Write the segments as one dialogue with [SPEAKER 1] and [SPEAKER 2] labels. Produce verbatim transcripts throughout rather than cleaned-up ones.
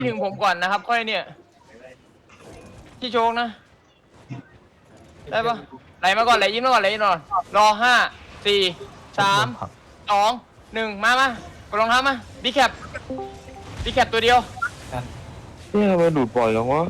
[SPEAKER 1] ถึงผมก่อนนะครับ ค่อยเนี่ยพี่โชคนะได้ปะไหลมาก่อนไหลยิ้มมาก่อนไหลยิ้มมาก่อนรอห้าสี่สามสองหนึ่งมามากดรองเท้ามาบีแคปบีแคปตัวเดียว
[SPEAKER 2] เนี่ยทำไมดูดปล่อยจังวะ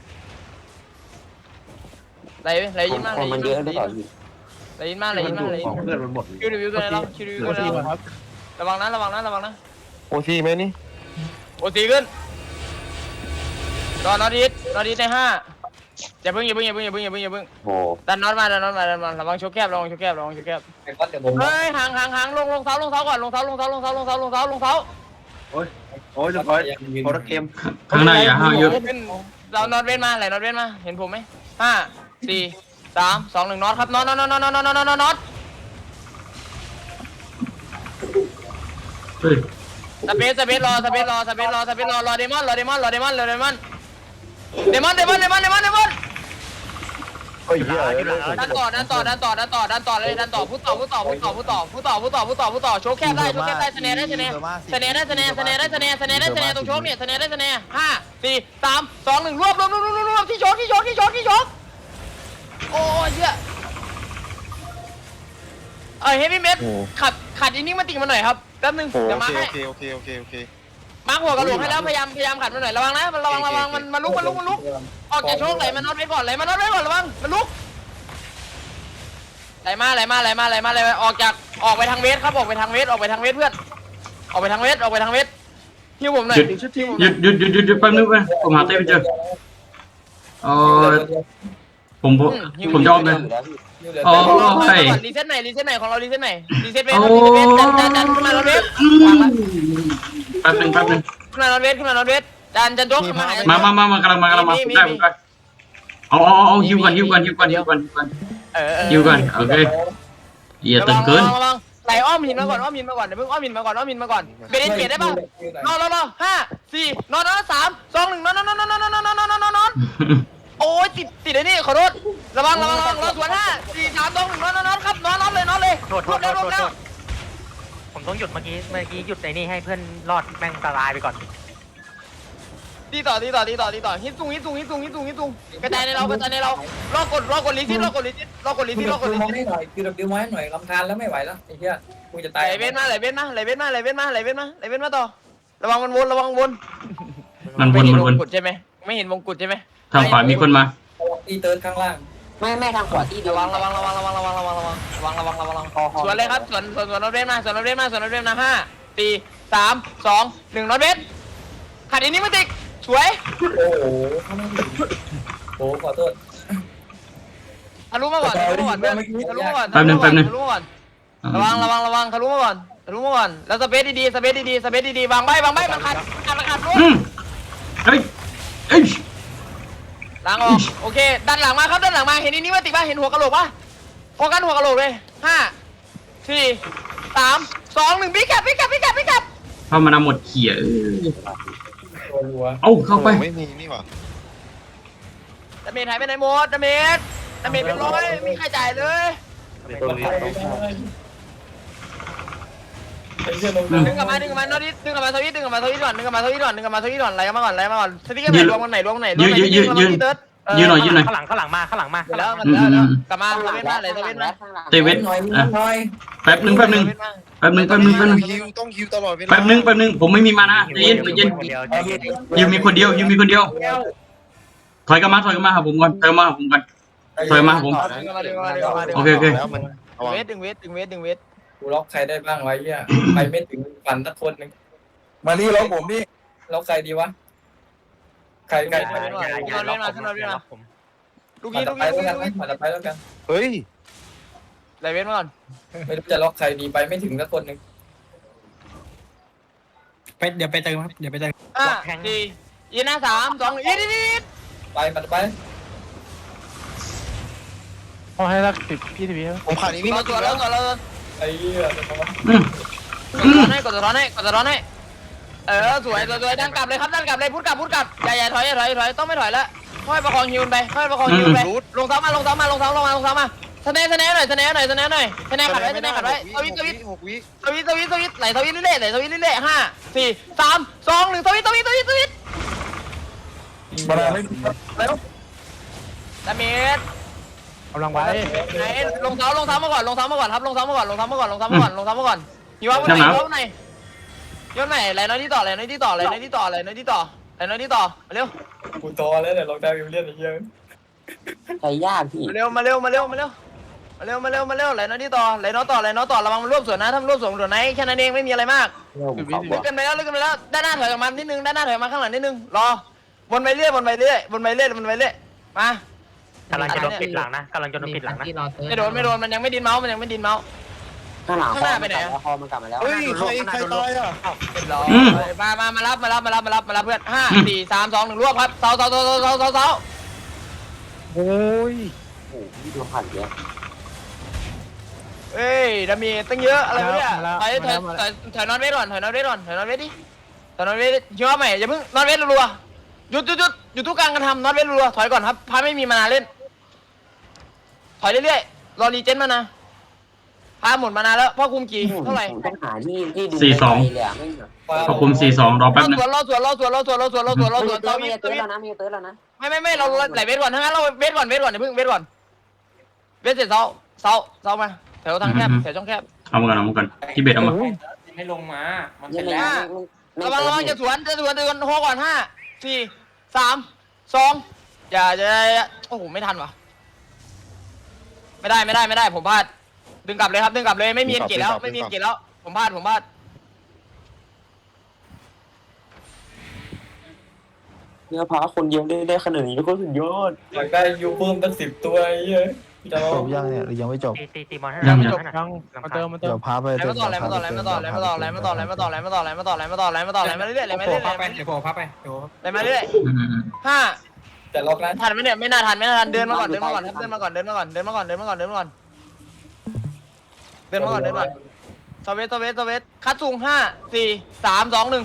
[SPEAKER 1] ไหลไหลยิ้มมาไหลยิ้มมาไหลยิ้มมาไหลยิ้มมาไหลยิ้มมาไหลยิ้มมา
[SPEAKER 3] เพื่อนมันหมด
[SPEAKER 1] คิวรีวิวตัวไหนเราคิวรีวิวตัวไหนเราระวังนะระวังนะระวังนะ
[SPEAKER 2] โอซีไหมนี่
[SPEAKER 1] โอตีขึ้นรอนอตอีทนอตอีทในห้าอย่าเพิ่งอย่าเพิ่งอย่าเพิ่งอย่าเพิ่งอย่าเพิ่งอย่าเพิ่ง
[SPEAKER 2] โอ้
[SPEAKER 1] ดันน็อตมาดันน็อตมาดันมาระวังโชกแคบระวังโชกแคบระวังโชกแคบ
[SPEAKER 3] ไอ้ก้อนเดี๋ยวผม
[SPEAKER 1] เฮ้ยห่างห่างห่างลงลงเท้าลงเท้าก่อนลงเท้าลงเท้าลงเท้าลงเท้าลงเท้าลงเท้า
[SPEAKER 3] โอ้ยโอ้ยจะคอยโคตรเกม
[SPEAKER 4] ข้างในอย่าห้าวเยอะ
[SPEAKER 1] เราน็อตเว้นมาไหลน็อตเว้นมาเห็นผมไหมห้าสี่สามสองหนึ่งน็อตครับน็อตน็อตน็อตน็อตน็อตน็อตน็อตน็อต
[SPEAKER 4] เฮ้ย
[SPEAKER 1] สเปซสเปซรอสเปซรอสเปซรอสเปซรอรอเดมอนรอเดมอนรอเดมอนรอเดมอนเดมอนเดมอนเดมอนเดมอนเดมอน
[SPEAKER 2] เฮ้ยเหี้ย
[SPEAKER 1] ดันต่อดันต่อดันต่อดันต่อดันต่อเลยดันต่อพูดต่อพูดต่อพูดต่อพูดต่อพูดต่อพูดต่อพูดต่อพูดต่อโชว์แคบได้โชว์แคบได้สเนได้สเนสเนได้สเนสเนได้สเนสเนได้สเนตรงโชว์เนี่ยสเนได้สเนห้าสี่สามสองหนึ่งรวบรวบรวบรวบรวบที่โชว์ที่โชว์ที่โชว์ที่โชว์โอ้ยเยอะเอ้ยเฮฟวี่เมทขัดขัดอินนิ่งมาติ่งมาหน่อยครับแป๊บนึง
[SPEAKER 2] โอ้
[SPEAKER 1] เดี๋ยว
[SPEAKER 2] โอ
[SPEAKER 1] มา
[SPEAKER 2] เค
[SPEAKER 1] ให้
[SPEAKER 2] โอเคโอเคโอเคโอเค
[SPEAKER 1] มาหัวกระโหลกให้แล้วพยายามพยายามขัดมาหน่อยระวังนะมันระวังระวังมันมันลุกมันลุกมันลุกออกจากโชว์ไหลมันน็อตไว้ก่อนไหลมันน็อตไว้ก่อนระวังมันลุกไหลมาไหลมาไหลมาไหลมาไหลมาออกจากออกไปทางเวสครับออกไปทางเวสออกไปทางเวสเพื่อนออกไปทางเวสออกไปทางเวสฮิวผมหน่อย
[SPEAKER 4] หยุดหยุดหยุดหยุดหยุดหยุดแป๊บนึงไปผมหาเต้ไม่เจอเออผมผมผมยอมเลยโอ้ย
[SPEAKER 1] รีเซ็ตไหนรีเซ็ตไหนของเรารีเซ็ตไหนรีเซ็ตเวสรีเซ็ตเวสดันดันดันขึ้นมารถเวส
[SPEAKER 4] แป๊บนึงแป๊บนึง
[SPEAKER 1] ขึ้นมารถเวสขึ้นมารถเวสดันดันยกขึ้นมา
[SPEAKER 4] มามามา มากำลังมากำลังมาผมได้ผมได้เอาเอาเอาฮิวก่อนฮิวก่อนฮิวก่อนฮิวก่อนฮิวก่อน
[SPEAKER 1] เออ
[SPEAKER 4] ฮิวก่อนโอเคอย่าตึงเกิน
[SPEAKER 1] ระวังไหลอ้อมหินมาก่อนอ้อมหินมาก่อนเดี๋ยวเพิ่งอ้อมหินมาก่อนอ้อมหินมาก่อนเบรนเปลี่ยนได้ป่ะนอนรอรอห้าสี่นอนนอนสามสองหนึ่งนอนนอนนอนนอนนอนนอนนอนนอนนอนโอ้ยติดติดไอ้นี่ขอโทษระวังระวังระวังรอสวนห้าสี่สามสองหนึ่งนอนนอนนอนครับนอนนอนเลยนอนเลย
[SPEAKER 5] โทษโทษโทษโทษโทษผมต้องหยุดเมื่อกี้เมื่อกี้หยุดในนี่ให้เพื่อนรอดแม่งตายไปก่อน
[SPEAKER 1] ตีต่อตีต่อตีต่อตีต่อฮิตซุงฮิตซุงฮิตซุงฮิตซุงฮิตซุงกระจายในเรากระจายในเรารอกดรอกดลิซิตรอกดลิซิตรอกดลิซิตรอกดลิ
[SPEAKER 6] มอง
[SPEAKER 1] ซิต
[SPEAKER 6] ให้หน่อยคือดับดิวไว้หน่อยลำคาญแล้วไม่ไหวแล้วไอ้เหี้ยกูจะ
[SPEAKER 1] ไห
[SPEAKER 6] ตาย
[SPEAKER 1] ลเว้นมาไหลเว้นมาไหลเว้นมาไหลเว้นมาไหลเว้นมาไหลเว้นมาต่อระวังมันวนระวังวน
[SPEAKER 4] มันว
[SPEAKER 1] ไม่
[SPEAKER 4] น
[SPEAKER 1] เห็น
[SPEAKER 4] มัน
[SPEAKER 1] ว
[SPEAKER 4] วน
[SPEAKER 1] งกุดใช่ไหมไม่เห็นวงกุดใช่ไหม
[SPEAKER 4] ทางขวามีคนมา
[SPEAKER 6] ตีเติร์ดข้างล่าง
[SPEAKER 7] ไม่ไม่ทางขวาที่เดีย
[SPEAKER 1] ระ
[SPEAKER 7] ว
[SPEAKER 1] วังระวังระวังระวังระวังระวังระวังระวังระวังระวังระวังสวนเลยครับสวนสวนสวนรถเว้นมาสวนรถเว้นมาสวนรถเว้นมาห้าสี่สามสองหนึ่งรถเว้นขัดอันนี้มาติกสวย
[SPEAKER 6] โอ้โหข้างล่างโอ้ขอโทษ
[SPEAKER 1] ทะลุมาก่อนทะลุมาก่อนเพื่อนทะลุมาก่อน
[SPEAKER 4] แป๊บนึงแป๊บนึง
[SPEAKER 1] ทะลุมาก่อนระวังระวังระวังทะลุมาก่อนทะลุมาก่อนแล้วสเปซดีๆสเปซดีๆสเปซดีๆวางใบวางใบมันขัดขัดมันขัดรถ
[SPEAKER 4] อืมเฮ้ยเอ้ย
[SPEAKER 1] ล้างออกโอเคด้านหลังมาครับด้านหลังมาเห็นอันนี้มาติกป่ะเห็นหัวกะโหลกป่ะโฟกัสหัวกะโหลกเลยห้าสี่สามสองหนึ่งบิ๊กแคปบิ๊กแคปบิ๊กแคปบิ๊กแคป
[SPEAKER 4] เข้ามานำหมดเขี่ยเออ
[SPEAKER 6] โอ้หัว
[SPEAKER 4] เอ้าเข้าไป
[SPEAKER 2] ไม่มีนี่หว่า
[SPEAKER 1] ดาเมจหายไปไหนหมดดาเมจดาเมจเป็นร้อยไม่มีใครจ่ายเลย
[SPEAKER 6] มันไปไม่ได้ไอ้เหี้ยลง
[SPEAKER 1] ดึงกลับมาดึงกลับมานอตดิดึงกลับมาสวิตดึงกลับมาสวิตก่อนดึงกลับมาสวิตก่อนดึงกลับมาสวิตก่อนไหลมาก่อนไหลมาก่อนสวิตกันไหนรวมกันไหนรวมกันไหนรวมกันไหน
[SPEAKER 4] ยืนยืนยืนยืนหน่อยยืนหน่อย
[SPEAKER 5] ข้างหลังข้างหลังมาข้างหลังมาข้างห
[SPEAKER 1] แล้
[SPEAKER 5] ลั
[SPEAKER 1] ว
[SPEAKER 5] ง
[SPEAKER 1] มันแล้วแล้วกลับมาสวิตมาไหลสวิตมา
[SPEAKER 4] เตเวท
[SPEAKER 6] หน่อย
[SPEAKER 4] อ่ะ
[SPEAKER 6] หน่อย
[SPEAKER 4] แป๊บนึงแป๊บนึงแป๊บนึงแป๊บนึงแป๊บนึง
[SPEAKER 2] ฮิวต้องฮิวตลอดเวลา
[SPEAKER 4] แป๊บนึงแป๊บนึงผมไม่มีมานะใจเย็นใจเย็น
[SPEAKER 5] คนเดียวใจเย็น
[SPEAKER 4] ยูมีคนเดียวยูมีคนเดียวถอยกลับมาถอยกลับมาหาผมก่อนถอยกลับมาหาผมก่อนถอยมาผม
[SPEAKER 1] ดึงกลับมาดึงกลับมาดึงกลับมาดึง
[SPEAKER 4] โอเคโอเค
[SPEAKER 2] แล้วมันระวัง
[SPEAKER 1] เวทดึงเวทดึงเวทดึงเวท
[SPEAKER 6] กูล็อกใครได้บ้างวะเหี้ยไปไม่ถึงฝันสักคนหนึ่ง
[SPEAKER 3] มานี่ล็อกผมนี่
[SPEAKER 6] ล็อกใครดีวะใครใคร
[SPEAKER 5] อย่าอย่าล็อกผมอย่าล็อกผม
[SPEAKER 1] ลูก
[SPEAKER 6] มา
[SPEAKER 1] นี้
[SPEAKER 6] ต่
[SPEAKER 1] ลู
[SPEAKER 6] อก ไป
[SPEAKER 1] นี้
[SPEAKER 6] แล้ว
[SPEAKER 1] ลูก
[SPEAKER 6] กัน
[SPEAKER 1] นี้
[SPEAKER 6] มาต่อไปแล้วกัน
[SPEAKER 2] เฮ้ย
[SPEAKER 1] ไหลเวทมาก่อน
[SPEAKER 6] ไม่รู้จะล็อกใครดีไปไม่ถึงสักคนหนึ่ง
[SPEAKER 8] ไปเดี๋ยวไปเติมครับเดี๋ยวไปเติม
[SPEAKER 1] ห้าสี่ยีน่าสามสองอีดอีดอีด
[SPEAKER 6] ไปมาต่อไป
[SPEAKER 8] พอให้รักสิบพี่สิบวิ
[SPEAKER 2] ผมขาดอีกนี่
[SPEAKER 1] เรา
[SPEAKER 2] มา
[SPEAKER 1] ตัวเราตัวเรา
[SPEAKER 6] ไอ้เหี้ยจะมา
[SPEAKER 4] อืม
[SPEAKER 1] กดร้อนให้กดร้อนให้กดร้อนให้เออสวยสวยสวยดันกลับเลยครับดันกลับเลยพุทธกลับพุทธกลับอย่าอย่าถอยอย่าถอยถอยต้องไม่ถอยแล้วค่อยประคองฮิวไปค่อยประคองฮิวไปลงเท้ามาลงเท้ามาลงเท้าลงมาลงเท้ามาสแนสแนหน่อยสแนหน่อยสแนหน่อยสแนขัดไว้สแนขัดไว้สวิตสวิต
[SPEAKER 2] หกวิ
[SPEAKER 1] สวิตสวิตสวิตไหลสวิตเรื่อยๆไหลสวิตเรื่อยๆห้าสี่สามสองหนึ่งสวิตสวิตสวิตสวิต
[SPEAKER 3] มาแล้วไม่แล้ว
[SPEAKER 1] ดาเมจ
[SPEAKER 8] กำลังไว้
[SPEAKER 1] ไหนลงเท้าลงเท้ามาก่อนลงเท้ามาก่อนครับลงเท้ามาก่อนลงเท้ามาก่อนลงเท้ามาก่อนลงเท้ามาก่อนอยู่ว่าวันไหนอยู่ว่าวันไหนย้อนไหนไหลน้อยที่ต่อไหลน้อยที่ต่อไหลน้อยที่ต่อไหลน้อยที่ต่อไหลน้อยที่ต่อมาเร็ว
[SPEAKER 6] กูโตแล้วเนี่ยลองได้วิลเลียนไอ้เหี้ย
[SPEAKER 7] ใจยากพี่
[SPEAKER 1] มาเร็วมาเร็วมาเร็วมาเร็วมาเร็วมาเร็วมาเร็วไหลน้อยที่ต่อไหลน้อยต่อไหลน้อยต่อระวังมันรวบสวนนะถ้ามันรวบสวนสวนไหนแค่นั้นเองไม่มีอะไรมาก
[SPEAKER 7] ผมขอบอก
[SPEAKER 1] ลึกกันไปแล้วลึกกันไปแล้วด้านหน้าถอยออกมานิดนึงด้านหน้าถอยมาข้างหลังนิดนึงรอวนไปเรื่อยวนไปเรื่อยวนไปเรื่อยวนไปเรื่อยมาก
[SPEAKER 5] ำลังจะโดนปิดหลังนะกำลังจะโดนปิดหลังนะ
[SPEAKER 1] ไม่โดนไม่โดนมันยังไม่ดินเมาส์มันยังไม่ดินเมาส์
[SPEAKER 7] ข้างหลัง
[SPEAKER 1] ข้างหน้าไปไหนอะ
[SPEAKER 7] คอมันกลับมาแล้ว
[SPEAKER 2] เฮ้ยใครใครตายอ่ะ
[SPEAKER 1] รอมามามารับมารับมารับมารับมารับเพื่อนห้าสี่สามสองหนึ่งรวบครับเสาเสาเสาเสาเสาเสาเสา
[SPEAKER 8] โอ้ย
[SPEAKER 7] โอ้โหพี่ดูผ่านเยอะ
[SPEAKER 1] เอ้ยดามีตั้งเยอะอะไรวะเนี่ยถอยถอยถอยถอยนอนเวทก่อนถอยนอนเวทก่อนถอยนอนเวทดิถอยนอนเวทเชื่อไหมอย่าเพิ่งนอนเวทรัวหยุดหยุดหยุดหยุดทุกการกระทำนอนเวทรัวถอยก่อนครับพาไม่มีมานานเล่นถอยเรื่อยๆรอรีเจนมานะพาหมดมานานแล้วพ่อคุมกี่เท่าไหร่
[SPEAKER 7] ผมต้องหาที่ที่ดู
[SPEAKER 4] สี่สอง
[SPEAKER 7] เลยอะไม่เหรอ
[SPEAKER 4] ขอบคุณสี่สองรอแป๊บนึง
[SPEAKER 1] รอสวนรอสวนรอสวนรอสวนรอสวนรอสวนรอสวน
[SPEAKER 7] เติ
[SPEAKER 1] เตา
[SPEAKER 7] ร์
[SPEAKER 1] วิ
[SPEAKER 7] มี
[SPEAKER 1] ท
[SPEAKER 7] เติ
[SPEAKER 1] เตา
[SPEAKER 7] ร์
[SPEAKER 1] วิท
[SPEAKER 7] แล้วนะมีเติร์แล้วนะ
[SPEAKER 1] ไม่ไม่ไม่เราไหลเวทก่อนทั้งนั้นเราเวทก่อนเวทก่อนอย่าเพิ่งเวทก่อนเวทเสร็จเสาเสาเสามาแถวทางแคบแถวช่องแคบ
[SPEAKER 4] เอามากันเอามากันที่เบ็ดเอามา
[SPEAKER 6] ให้ลงมา มัน
[SPEAKER 7] ยัง
[SPEAKER 6] เป็น
[SPEAKER 7] ไง
[SPEAKER 6] แล้ว
[SPEAKER 1] ระวังระวังจะสวนจะสวนจะสวนโฮก่อนห้าสี่สามสองอย่าจะโอ้โหไม่ทันว่ะไม่ได้ไม่ได้ไม่ได้ผมพลาดดึงกลับเลยครับดึงกลับเลยไม่มีเอ็นเกตแล้วไม่มีเอ็นเกตแล้วผมพลาดผมพลาด
[SPEAKER 7] เนี่ยพาคนเยอะได้ได้ขนาดนี้ก็สุดยอด
[SPEAKER 6] อยากได้ยูเพิ่มตั้งสิบตัวไอ้เหี้ยจะล
[SPEAKER 3] จ
[SPEAKER 6] อง
[SPEAKER 3] บยังเนี่ยหรือยังไม่จบ
[SPEAKER 5] ตีตีตีบอลให้
[SPEAKER 4] ยัง
[SPEAKER 5] ห
[SPEAKER 4] ยั
[SPEAKER 5] น่
[SPEAKER 4] ง
[SPEAKER 5] อย
[SPEAKER 8] ยังมาเติมมาเติ
[SPEAKER 3] เดี๋ย
[SPEAKER 8] ม
[SPEAKER 3] วพาไป
[SPEAKER 1] ไหลมาต่อไหลมาต่อไหลมาต่อไหลมาต่อไหลมาต่อไหลมาต่อไหลมาต่อไหลมาต่อไหลมาต่อไหลมาต่อไหลมาต่อไหลมาเรื่อยๆไหลมา
[SPEAKER 8] โผล่
[SPEAKER 1] เรื่อยๆ
[SPEAKER 8] พับไปเดี๋ยวโผล่พับไปเดี๋ยว
[SPEAKER 1] ไหลมาเรื่อย
[SPEAKER 4] อืมอืม
[SPEAKER 1] ๆห้า
[SPEAKER 6] แต่ล็อกนั้น
[SPEAKER 1] ทันไหมเนี่ยไม่น่าทันไม่น่าทันเดินมาก่อนเดินมาก่อนครับเดินมาก่อนเดินมาก่อนเดินมาก่อนเดินมาก่อนเดินมาก่อนเดินมาก่อนเดินมาก่อนสวีทสวีทสวีทคัดสูงห้าสี่สามสองหนึ่ง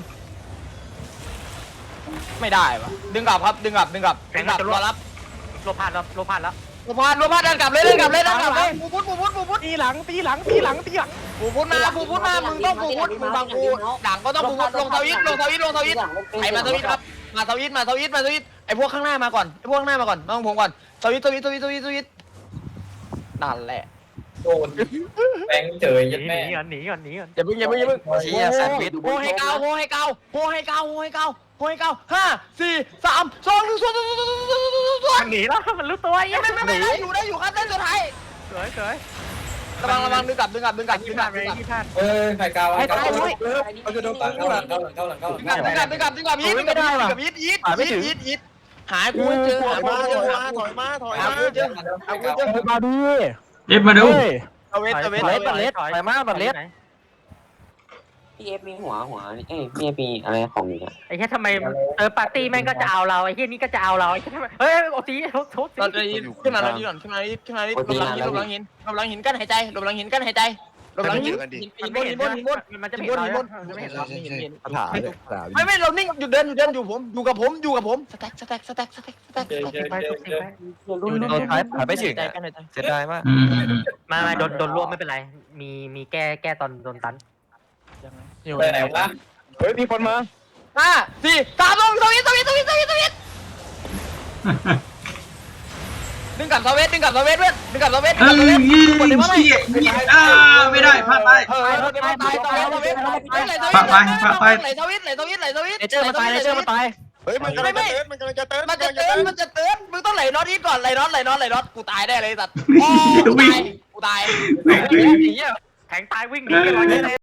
[SPEAKER 1] ไม่ได้วะดึงกลับครับดึงกลับดึงกลับดึงกลับรอรับ
[SPEAKER 5] โลพาดแล้วโลพาดแล้ว
[SPEAKER 1] ปูพานปูพานเดินกลับเลยเดินกลับเลยเดินกลับเลยปูพุทธปูพุทธปูพุทธ
[SPEAKER 8] ตีหลังตีหลังตีหลังตีหลัง
[SPEAKER 1] ปูพุทธมาปูพุทธมามึงต้องปูพุทธมึงฟังกูหลังก็ต้องปูพุทธลงสวิตลงสวิตลงสวิตใครมาสวิตครับมาสวิตมาสวิตมาสวิตไอพวกข้างหน้ามาก่อนไอพวกข้างหน้ามาก่อนมาของผมก่อนสวิตสวิตสวิตสวิตสวิตนั่นแหละ
[SPEAKER 6] โดนแบงค์เจอ
[SPEAKER 5] ห
[SPEAKER 6] ยัด
[SPEAKER 5] นี
[SPEAKER 6] แม่
[SPEAKER 5] ก่อนหนีก่อนหนีก่อน
[SPEAKER 1] อย่าเพิ่งอย่าเพิ่งอย่าเพิ่ง
[SPEAKER 7] เชียแซนด์วิช
[SPEAKER 1] โฮให้เกาโฮให้เกาโฮให้เกาโฮให้เกาโฮให้เกาห้าสี่สามสองหนึ่งส่วนส่วนส่วนส่วนส่วนส่วน
[SPEAKER 5] หนีแล้วมันรู้ตัวยัง
[SPEAKER 1] ไม่ไม่ไม่ได้อยู่ได้อยู่ครับเส้นสุดท้าย
[SPEAKER 5] สวยสวย
[SPEAKER 1] ระวังระวังดึงกลับดึงกลับดึงกลับดึ
[SPEAKER 5] ที่
[SPEAKER 1] งก
[SPEAKER 5] พ
[SPEAKER 1] ลั
[SPEAKER 5] ลา
[SPEAKER 1] บ
[SPEAKER 5] ด
[SPEAKER 1] ดึงกลับ
[SPEAKER 5] ที่พลาด
[SPEAKER 6] เอ้ยไข่กาว
[SPEAKER 5] ให้ตาย
[SPEAKER 6] เข้า
[SPEAKER 5] ด้วย
[SPEAKER 3] เอาจะโดน
[SPEAKER 6] หลังเข้าหลังเข้าหลังเข้าหลังเข้าหลัง
[SPEAKER 1] ดึงกลับดึงกลับดึงกลับดึงกลับยิดดึงกลับยิดดึงกลับยิดยิดยิดยิดยิดหากูเจอ
[SPEAKER 2] ถ
[SPEAKER 1] หา
[SPEAKER 2] อย
[SPEAKER 1] กู
[SPEAKER 2] มา
[SPEAKER 1] เจอ
[SPEAKER 2] ถอยมาถอยมาถอย
[SPEAKER 1] หา
[SPEAKER 2] มา
[SPEAKER 1] กูเจอหากูเจอ
[SPEAKER 8] มาดิ
[SPEAKER 4] เอฟมาดู
[SPEAKER 8] เฮ้ย
[SPEAKER 1] เอาเวทเอาเวท
[SPEAKER 5] ถอย
[SPEAKER 1] เอา
[SPEAKER 5] ถ
[SPEAKER 1] เว
[SPEAKER 5] อย
[SPEAKER 1] ท
[SPEAKER 5] ถอยมาบัดเล็ด
[SPEAKER 7] พี่เอฟมีหัวหัวเอ้ยพี่มีอะไรของนี่
[SPEAKER 5] ไอ้แค่ทำไมเออปาร์ตี้แม่งก็จะเอาเราไอ้แค่นี้ก็จะเอาเราไอ้แค่ทำไมเฮ้ยโอ้ตีโทษโทษ
[SPEAKER 1] ตอนนี้ขึ้นมาแล้วนี่ก่อนขึ้นมาขึ้นมาลบหลังหินลบหลังหินลบหลังหินกั้นหายใจลบหลังหินกั้นหายใจลบหลังหินหินบนหินบนหินบน
[SPEAKER 5] มันจะ
[SPEAKER 1] หิน
[SPEAKER 5] เห็
[SPEAKER 1] บ
[SPEAKER 5] น
[SPEAKER 1] นหินบน
[SPEAKER 5] เรา
[SPEAKER 1] ไม่เห็น
[SPEAKER 2] ใช่
[SPEAKER 1] เรา
[SPEAKER 2] ใช่
[SPEAKER 1] ไม่
[SPEAKER 2] ใช่
[SPEAKER 1] เห็น
[SPEAKER 3] ถามถาม
[SPEAKER 1] ไม่ไม่เรานิ่งหยุดเดินหยุดเดินอยู่ผมอยู่กับผมอยู่กับผมสแต็กสแต็กสแต็กสแต็กสแต็กสแต็ก
[SPEAKER 5] ไปทุกทีไป
[SPEAKER 7] รุ่นรุ่น
[SPEAKER 3] โดนท้ายผ่านไม่ถึง
[SPEAKER 1] ใจกันหายใจ
[SPEAKER 3] เสียดายมาก
[SPEAKER 4] อืมอืมอืม
[SPEAKER 5] มามาโดนโดนรวบไม่เป็นไร มีมีแก้แก้ตอนโดนตัน
[SPEAKER 8] อยู่
[SPEAKER 6] ไปไหนวะ
[SPEAKER 8] เฮ้ยมีคนมา
[SPEAKER 1] ห้าสี่สามลงสวิตสวิตสวิตสวิตสวิตดึงกลับสวิตดึงกลับสวิตเพื่อนดึงกลับสวิตดึง
[SPEAKER 4] เอ้
[SPEAKER 1] กลับสวิต
[SPEAKER 4] ยเหี้ยเหี้ยอ่าไม่ได้พลาดไป
[SPEAKER 1] เออตายตายตายสวิตไหลสวิตไหลสวิตไหลสวิตไหลสวิต
[SPEAKER 8] เนเจอร์มาตายเนเจอร์มาตาย
[SPEAKER 2] เฮ้ยมันกำลังจะเติร์ดมันกำลังจะเติร์ด
[SPEAKER 1] มันจะเตือนมันจะเตือนมึงต้องไหลน็อตอีกก่อนไหลน็อตไหลน็อตไหลน็อตกูตายได้เลยสัตว์โอ้กูตายกูตาย
[SPEAKER 5] แทงตายวิ่งหนีกันเลย